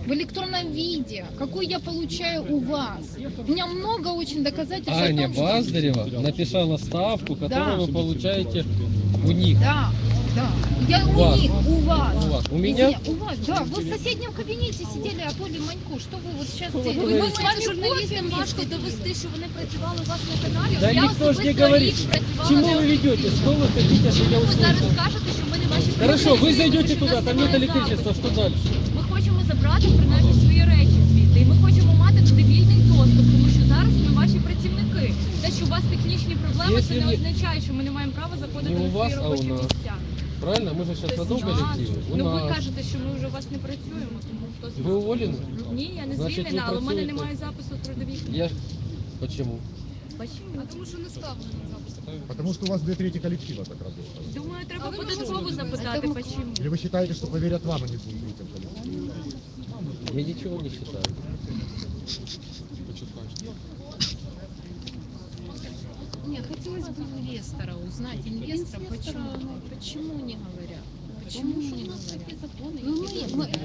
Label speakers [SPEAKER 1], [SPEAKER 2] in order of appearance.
[SPEAKER 1] в электронном виде, какой я получаю у вас. У меня много очень доказательств
[SPEAKER 2] Аня
[SPEAKER 1] о том, что...
[SPEAKER 2] Баздарева написала ставку, которую
[SPEAKER 1] Да.
[SPEAKER 2] вы получаете у них.
[SPEAKER 1] Да, да. Я
[SPEAKER 2] У
[SPEAKER 1] у
[SPEAKER 2] вас.
[SPEAKER 1] них, у вас.
[SPEAKER 2] У вас. У меня?
[SPEAKER 1] Извини, у вас, да. Вы в соседнем кабинете сидели, а Оля Манько. Что вы вот сейчас
[SPEAKER 2] Что вы
[SPEAKER 1] делаете?
[SPEAKER 2] говорите?
[SPEAKER 1] Мы с вами
[SPEAKER 3] Журналістам
[SPEAKER 1] кофе
[SPEAKER 3] важко
[SPEAKER 1] вместе
[SPEAKER 3] довести, що вони працювали у вас на каналі.
[SPEAKER 2] Да
[SPEAKER 3] Я
[SPEAKER 2] никто ж не
[SPEAKER 3] особисто
[SPEAKER 2] говорит.
[SPEAKER 3] рік працювала
[SPEAKER 2] Чему
[SPEAKER 3] на
[SPEAKER 2] вы ведете? Что вы хотите, чтобы я
[SPEAKER 3] Ви зараз
[SPEAKER 2] услышал?
[SPEAKER 3] скажете, що ми не ваші
[SPEAKER 2] Хорошо, вы
[SPEAKER 3] працівники,
[SPEAKER 2] зайдете
[SPEAKER 3] що у
[SPEAKER 2] туда,
[SPEAKER 3] нас
[SPEAKER 2] там нет
[SPEAKER 3] немає
[SPEAKER 2] электричества,
[SPEAKER 3] запиту.
[SPEAKER 2] что дальше?
[SPEAKER 3] Ми хочемо забрати принаймні свої речі звідти. І ми хочемо мати туди вільний доступ, тому що зараз ми ваші працівники. Те, що у вас технічні проблеми,
[SPEAKER 2] Якщо
[SPEAKER 3] це не
[SPEAKER 2] ні-
[SPEAKER 3] означає, що ми не маємо права заходити
[SPEAKER 2] Не у
[SPEAKER 3] на
[SPEAKER 2] вас,
[SPEAKER 3] свої
[SPEAKER 2] а у
[SPEAKER 3] робочі
[SPEAKER 2] нас.
[SPEAKER 3] місця.
[SPEAKER 2] Правильно? Мы же сейчас на том
[SPEAKER 3] Так.
[SPEAKER 2] коллективе. У
[SPEAKER 3] Ну ви
[SPEAKER 2] нас.
[SPEAKER 3] кажете, що ми вже у вас не працюємо, тому хто
[SPEAKER 2] Вы
[SPEAKER 3] знає.
[SPEAKER 2] уволены?
[SPEAKER 3] Ні, я не
[SPEAKER 2] Значить, ви
[SPEAKER 3] звільнена, але в мене
[SPEAKER 2] працюєте?
[SPEAKER 3] немає запису в трудовій книжці.
[SPEAKER 2] Я... Почему?
[SPEAKER 3] Почему?
[SPEAKER 1] Тому що не ставлено запис.
[SPEAKER 4] Потому что у вас 2/3 коллектива так работает.
[SPEAKER 3] Думаю, треба
[SPEAKER 1] ви
[SPEAKER 3] податково
[SPEAKER 1] можете
[SPEAKER 3] запитати,
[SPEAKER 1] думати?
[SPEAKER 3] почему.
[SPEAKER 4] Или вы считаете, что поверят вам, а не 2/3 коллектива?
[SPEAKER 2] Я ничего не считаю.
[SPEAKER 1] Нет, хотелось бы инвестора узнать. Инвестора, почему не говорят? Почему не говорят? Ну, мы